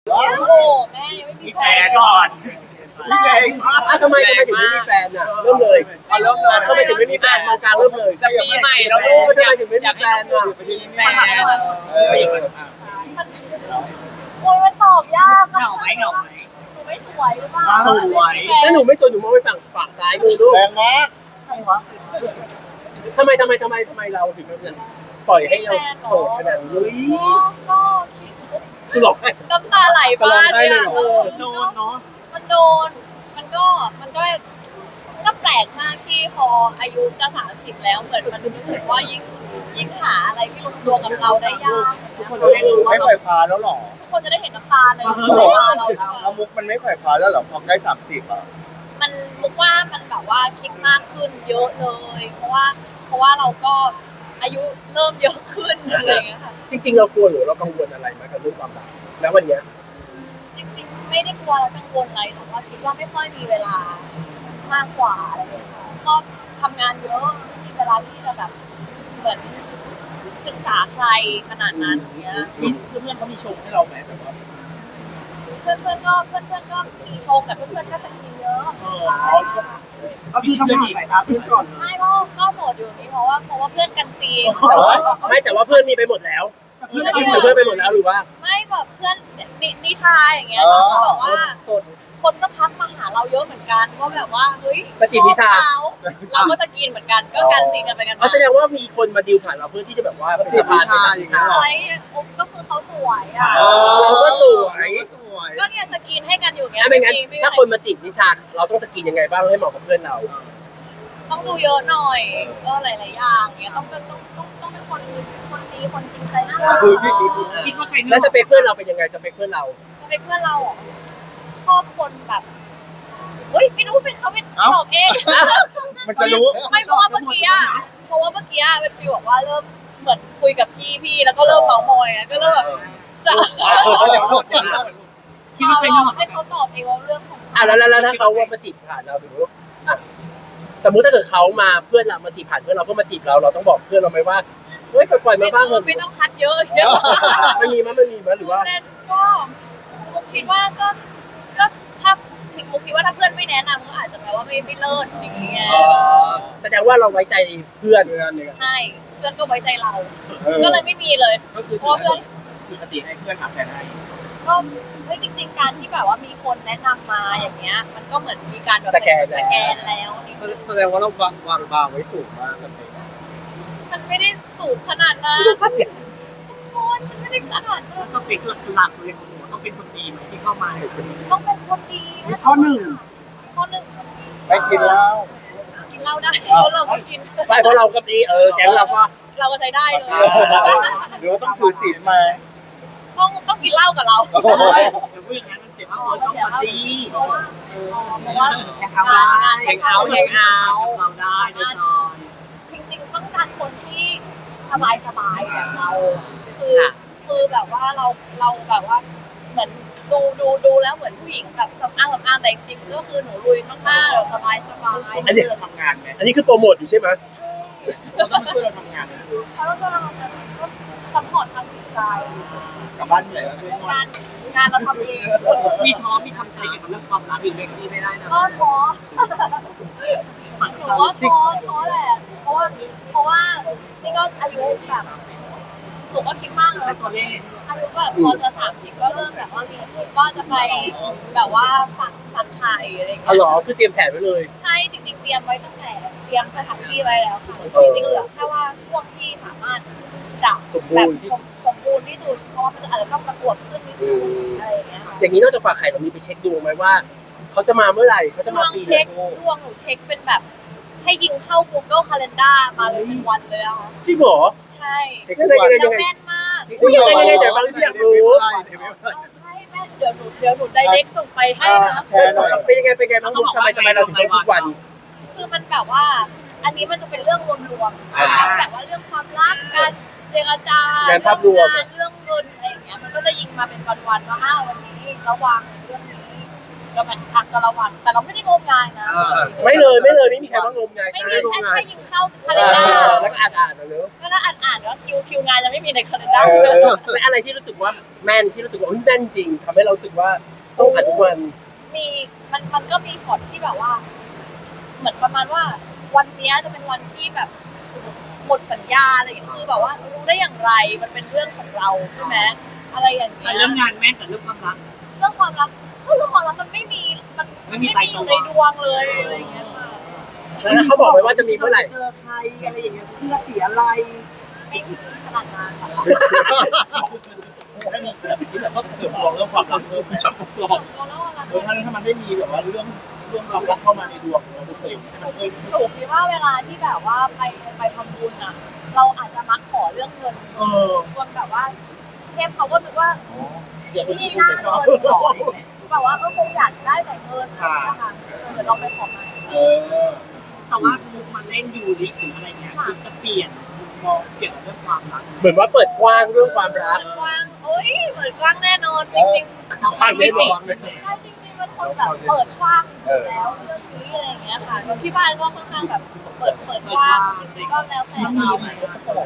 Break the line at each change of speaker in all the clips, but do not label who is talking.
โอ้โหแม่ยังไม่มีแฟน
ก่อน
แม่
ทำไมถึงไม่มีแฟนอ่ะเริ่มเลยทำไมถึงไม่มีแฟนมองกลางเริ่มเลย
จะปีใหม่แล้วลูก
ทำไมถึงไม่มีแฟนอ่ะ
แฟนโอ้ยมันตอบยากอะ
เหงาไหม
หนูไม่สวยหรือเปล่า
สวย
ถ้าหนูไม่สนหนูมองไปฝั่งซ้ายมือลูก
แรงมาก
ทำไมเราถึงปล่อยให้เราโสดขนาดนี้
ก็คิด
ฉลองให้
น้ำตาไหลบ้านเนี่ย
โดนเนาะ
มันโดนมันก็แปลกมากที่พออายุจะ30แล้วเหมือนมันรู้สึกว่ายิ่งหาอะไรที่ลงตัวกับเราได้ยากอย่างเงี้ย
ไม่ไขว่คว้าแล้วหรอ
ทุกคนจะได้เห็นน้ำตาใน
แล้ว
ตาเรา
มุกมันไม่ไขว่คว้าแล้วหรอพอใกล้30อ่ะ
มันมุกว่ามันแบบว่าคิดมากขึ้นเยอะเลย เพราะว่าเราก็อายุเริ่มเยอะขึ้นอะไรอย่างเงี้ยค่ะ
จริงๆเรากลัวหรือเรากังวลอะไรไหมกับเรื่องความรักแล้ววันเนี้ย
จริงๆไม่ได้กลัวและกังวลอะไรแต่ว่าคิดว่าไม่ค่อยมีเวลามากกว่าอะไรอย่างเงี้ยค่ะก็ทำงานเยอะไม่มีเวลาที่จะแบบเหมือนศึกษาใครขนาดนั้นอย่างเงี้ย
เพื่อนเขามีชมให้เราไหมแบบว่า
เพื่อนก็มีชมแต่เพื่อนก็จะมีเยอะ
ก็คือต้องหาสายตาเพื่อนก่อน
ไม่ก็โสดอยู่อย่างนี้เพราะว่าเพื่อนกันซี
แต่ว่าเพื่อนมีไปหมดแล้วเพื่อนไปหมดแล้วหรือว่า
ไม่แบบเพื่อนนิชาอย่างเงี้ยเขาบอกว่าคนก็ทักมาหาเราเยอะเหมือนกันว่าแบบว่าเฮ้ย
จะจีบนิชา
เราก็จะกินเหมือนกันก็กันซีกันไปกัน
แสดงว่ามีคนมาดีลผ่านเราเพื่อที่จะแบบว่าเป็นสะพานไปกับนิชา
สวยก็คือเขาสวยอ่ะ
เราก็สวย
ก็เนี่ยสกินให้กันอยู่อย่างเงี้ย
ไม่งั้นถ้าคนมาจีบนิชาเราต้องสกินยังไงบ้างให้เหมาะกับเพื่อนเรา
ต้องดูเยอะหน่อยก็หลายๆอย่างเงี้ยต้องเป็นคนดีคนจริงใจน่ารัก
คิดว่าใคร
แล้วสเปคเพื่อนเราเป็นยังไงสเปคเพื่อนเรา
เป็นเพื่อนเราชอบคนแบบเฮ้ยไม่รู้เป็นเขาเป็นตอบเอง
มันจะรู้
ไม่เพราะว่าเมื่อกี้เป็นฟีลบอกว่าเริ่มเหมือนคุยกับพี่แล้วก็เริ่มเมามอยก็เริ่มแบบจะ
คิดว่าใครนอก
ให้เขาตอบเองว่าเรื่องของ
แล้วถ้าเขาว่ามาจีบผ่านเราสมมติถ้าเกิดเขามาเพื่อนเรามาจีบผ่านเพื่อนเราก็มาจีบเราต้องบอกเพื่อนเราไหมว่าเฮ้ยปล่อยมาบ้างเถอะ
ไม่ต้องคัดเยอะ
มันมีมั้ยหรือว่า
ก็มุกคิดว่าก็ถ้ามุกคิดว่าถ้าเพื่อนไม่แนะนำก็อาจจะแปลว่าไม่เลิศอย่างเงี้ย
แสดงว่าเราไว้ใจเพื่อน
ใช่เพื่อนก็ไว้ใจเรา ก็เลยไม่มีเลย
ก็คือ
เพราะเพื่อน
ปกติให้เพื่อนหาแฟนให้
ก็เฮ้ยจริงๆการที่แบบว่ามีคนแนะนำมาอย่างเงี้ยมันก็เหมือนมีการแบบ
สแกน
แล้วนี่
แสดงว่าเราวางบาร์ไว้สูงมากสเปค
มันไม่ได้สูงขนาดนั้นคนมันไม่ได้ขนาดนั้น
สเปคหลักเลยของหนูต้องเป็นคนดีไหมที่เข้ามา
ต้องเป็นคนดีนะ
ข้อหนึ่ง
ข้อหนึ่ง
ไปกินเหล้า
กินเหล้าได้เพราะเราก็กิน
ไม่เพราะเราก็ดีแก๊งเราก็
เราก็ใช้ได้เลย
หรือว่าต้องถือศีลมา
ต้องกินเหล้ากับเรา
เดี๋ยวพูดอย่างนั้นมันเจ็บตัวต้องปฏิ
เพราะว่า
แข่งเอาเราได้แน่นอน
จริงๆต้องการคนที่สบายแบบเราคือแบบว่าเราแบบว่าเหมือนดูแล้วเหมือนผู้หญิงแบบสำอางแต่จริงๆก็คือหนูลุยมากๆเราสบาย
อันนี้เราทำงานไหม
อันนี้คือโปรโมทอยู่ใช่ไหม
เราต้องช่วยเราทำงาน
เขาก็เราก็ซัพพอร์ตทางจิตใจ
กลับบ้านเหนื่อยแล้วช่วย
งานเราทำเอง
มีท้อมีทำใจเกี่ยวกับเรื่องความรักอีกเล็กที่ไม่ได้นะ
ก็ท้อหนูว่าท้อแหละเพราะว่านี่ก็อายุแบบหนูก็คิดมากเลย
ตัวเลข
อายุแบบพอจะ30ก็เริ่มแบบว่ามีคิดว่าจะไปแบบว่าฝักไข่อะไรอย่างเงี้
อ๋อย เหรอคือเตรียมแผนไว้เลย
ใช่จริงๆเตรียมไว้ตั้งแต่เตรียมสถานที่ไว้แล้วค่ะจริงๆเหลือแค่ว่าช่วงที่สามารถจะ
สมบูรณ์ที่สุด
สมบูรณ์ที่สุดเพราะว่ามันอาจจะต้องประกวดขึ้นนิดนึงอะไรอย่างเงี้ยค่ะ
อย่างนี้นอกจากฝากไข่เรามีไปเช็คดวงไหมว่าเขาจะมาเมื่อไหร่เขาจะมาปีไหน
ดวงหนูเช็คเป็นแบบให้ยิงเข้า Google Calendar มาเลยเป็นวันเลยอะค่ะ
จริงเหรอ
ใช่
เช็คได้ยังไง
แม่นมาก
จริงยังไงแต่บางที่อยากรู้
ใช่แม่นเดี๋ยวหนูไดเรกส่งไปให้นะ
แชร์หน่อย
เป็นยังไงบ้างทำไมเราถึงต้องทุกวัน
คือมันแบบว่า อันนี้มันจะเป็นเรื่องรวมๆแบบว่าเรื่องความรักการเจรจาเรื่องงานเรื่องเงินอะไรอย่างเงี้ยมันก็จะยิงมาเป็นวันๆว่าวันนี้ระวังเรื่องนี้ก็มันอักกะละวันแต่เราไม่ได้งมงายนะ
ไม่ไม่มีใครว่างมงาย
ไม่
ใช่
มีแค่ยิงเข้าคา
เอ
เลนดา
อ
ร์
แล้วก็อ่านนะเนอะ
ก็ถ้าอ่านว่าคิวงานยังไม่มีในคาเลนดาร์
และอะไรที่รู้สึกว่าแม่นที่รู้สึกว่าแม่นจริงทำให้เรารู้สึกว่าต้องอ่านทุกวัน
มีมันก็มีช็อตที่แบบว่า เหมือนประมาณว่า วันนี้จะเป็นวันที่แบบหมดสัญญาอะไรอย่างเงี้ยคือแบบว่ารู้ได้อย่างไรมันเป็นเรื่องของเราใช่ไหมอะไรอย่างเงี้
แต่
ย
เรื่องงานแม่แต่เรื่องความรัก
เรื่องความรักเรื่องความรักมันไม่มีมัน
ไม่มี
ไม่มีอยู่ในดวงเลยอะไรอย่างเงี้ยค่ะ
แล้วเขาบอกไว้ว่าจะมีเมื่อไหร่
เจอใครอะไรอย่างเงี้ยเพื่อสีอะไร
ไม่มีขนาดนั้นค่ะ
ถ้ามีแบบที่แบบว่าเสริมดวงเรื่องความรักเพิ่มชอบตัวบอก
แล้วอะไร
ถ้ามันไม่มีแบบว่าเรื่องความรักเข้ามาในดวงเราจะเสริมให้มันเพิ่ม
ถูกคิดว่าเวลาที่แบบว่าไปทำบุญอะเราอาจจะมักขอเรื่องเงินจนแบบว่าเทพเขาก็นึกว่าที่หน้าเงินขอแบบว่าคงอยากได้แต่เงินอะไรอย่างเงี้ยค่ะเดี๋ยวลองไปขอใหม่
แต่ว่ามุกมาเล่นยูริหรืออะไรเงี้ยคือจะเปลี่ยนมุมมองเกี่ยวกับเรื่องความรัก
เหมือนว่าเปิดกว้างเรื่องความรัก
เปิดกว้างเอ้ยเปิดกว้างแน่นอนจริงๆ
ความไม่บอก
ใช่จริงๆเป็นคนแบบเปิดกว้างอยู่แล้วเรื่องนี้อะไรอย่างเงี้ยค่ะแล้วที่บ้านก็ค่อนข้างแบบเปิดกว้างก็แล้วแต่
มี
เรา
ไหมสาว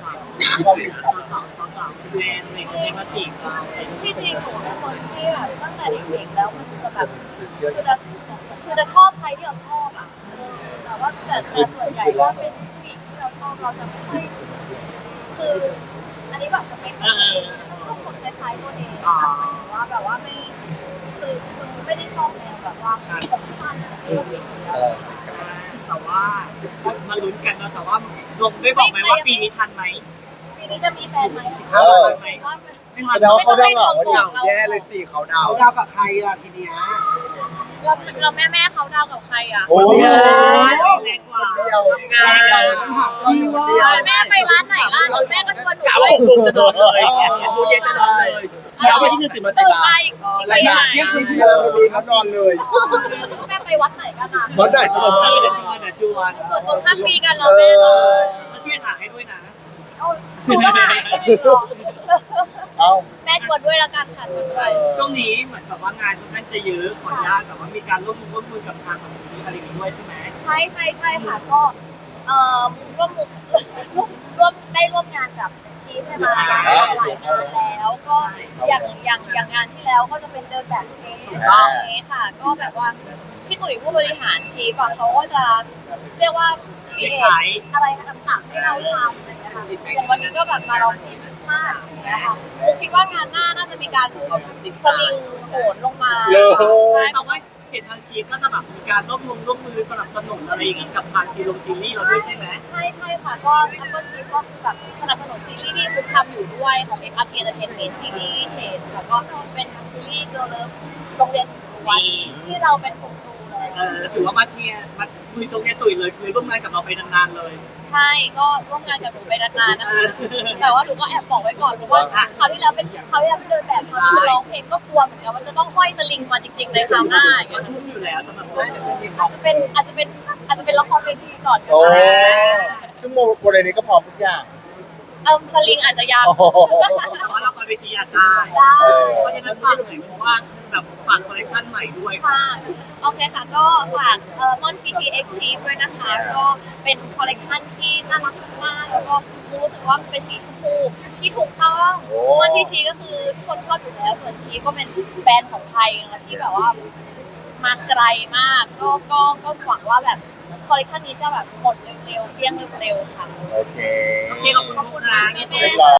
แมนอะไรเงี้ยมาจีบเรา
ที่จริงหนูเป็นคนที่แบบตั้งแต่เด็กๆแล้วมันจะแบบคือจะชอบใครที่เราชอบอ่ะแต่ว่าแต่ส่วนใหญ่ก็เป็นผู้หญิงที่เราชอบเราจะไม่ค่อยคืออันนี้แบบจะเป็นชอบคนคล้ายๆตัวเองค่ะหมายถึงว่าแบบว่าไม่คือไม่ได้ชอบแนวแบบว่าผมสั้นอะไรแบบนี้
แต่ว่าก็มาลุ้นกันนะแต่ว่าลงได้บอกไหมว่าปีนี้ทันไหม
ปีนี้จะมีแฟนไหม
ทันไหมไม่ทัน
แสดงว่าเขาดาวเหงาเนี่ยแย่เลยสิเขาดาว
เขาดาวกับใครล่ะทีเนี้ย
เราแม่เขาดาวกับใครอ่ะ
โอ้ย
แรงกว่า
เดียวเราอยู่คนเดียว
แม่ไปร้านไหนล่ะแม่ก็ชวนหนู
กะ
ด้ว
ว่าย 6 โมงจะนอนเลย6 โมงเย็นจะนอนเลยเช้าวันที่1ตื่นมาใส่
ตื่น
บา
ไป
ตร
อีกทีไหน
เวลาพอดีเขานอนเลย
แม่ไปวัดไหนกันอ่ะ
วัดไหน
ชวน
ส่วนคนข้ามปีกันเราแม่เลย
ก็ช่วยถ่ายให้ด้วยนะ
หนูก็หายไปหรอ
เอา
แม่ชวนด้วยละกันค่ะชวนด้วย
ช่วงนี้เหมือนแบบว่างานค่อนข้างจะเยอะขออนุญาตแต่ว่ามีการร่วมมือกับทางของนี้อะไรอย่างนี้ด้วยใช่ไหม
ใช่ค่ะก็ร่วมได้ร่วมงานกับชีฟเนี่ยมาหลายงานแล้วก็อย่างงานที่แล้วก็จะเป็นเดินแบบเองนี้ค่ะ ก็แบบว่าพี่ตุ๋ยผู้บริหารชีฟอะเขาก็จะเรียกว่ามีอะไรต่างๆให้เราทำอะไรอย่างเงี้ยค่ะอย่างวันนี้ก็แบบมาลองเพลงมากอย่างเงี้ยค่ะคิดว่างานหน้าน่าจะมีการสลิงโหนลงมา
แต่ว่าเห็นทางชีฟก็จะแบบมีการร่วมมือสนับสนุนอะไรอย่างนี้กับทางซีรีส์เราด้วยใช่ไหม
ใช่ค่ะก็ Apple Chief ก็คือแบบสนับสนุนซีรีส์ที่คุณทำอยู่ด้วยของ XRT Entertainment ซีรีส์เชนค่ะก็เป็นซีรีส์เกิร์ลเลิฟโรงเรียนหญิงล้วนที่เราเป็นคุณครูเลย
ถือว่ามาคุยตรงนี้ตุ๋ยเลยคือร่วมงานกับเราไปนานๆเลย
ใช่ก็ร่วมงานกับหนูไปนานๆนะคะแต่ว่าหนูก็แอบบอกไว้ก่อนเพราะว่าคราวที่แล้วเป็นเดินแบบคราวนี้เป็นร้องเพลงก็กลัวเหมือนกันว่าจะต้องห้อยสลิงมาจริงๆในคราวหน้า
ก็ทุ่มอยู่แล้วสำหรับเรา
อาจจะเป็นละครเวทีก่อนก็
โอ้
ได้
ซึ่งโมเดลนี้ก็พร้อมทุกอย่าง
สลิงอาจจะยาว
แต่ว่าเราคอนเวทีอาจได้
ได้
เพราะฉะนั้นฝากหน่อยเพราะว่าแบบฝากคอลเลคชันใหม่ด้วย
ค่ะโอเคค่ะก็ฝากมอน PTX Chief ด้วยนะคะก็เป็นคอลเลคชันที่น่ารักมากแล้วก็รู้สึกว่ามันเป็นสีชมพูที่ถูกต้องมอน PTX ก็คือทุกคนชอบอยู่แล้วส่วนชีฟก็เป็นแบรนด์ของไทยนะที่แบบว่ามาไกลมากก็หวังว่าแบบคอลเลคชันนี้จะแบบหมดเร็วๆเกลี้ยงเร็วๆค่ะ
โอเค
โอเคขอบคุณนะ
แม่
เรียบร้อย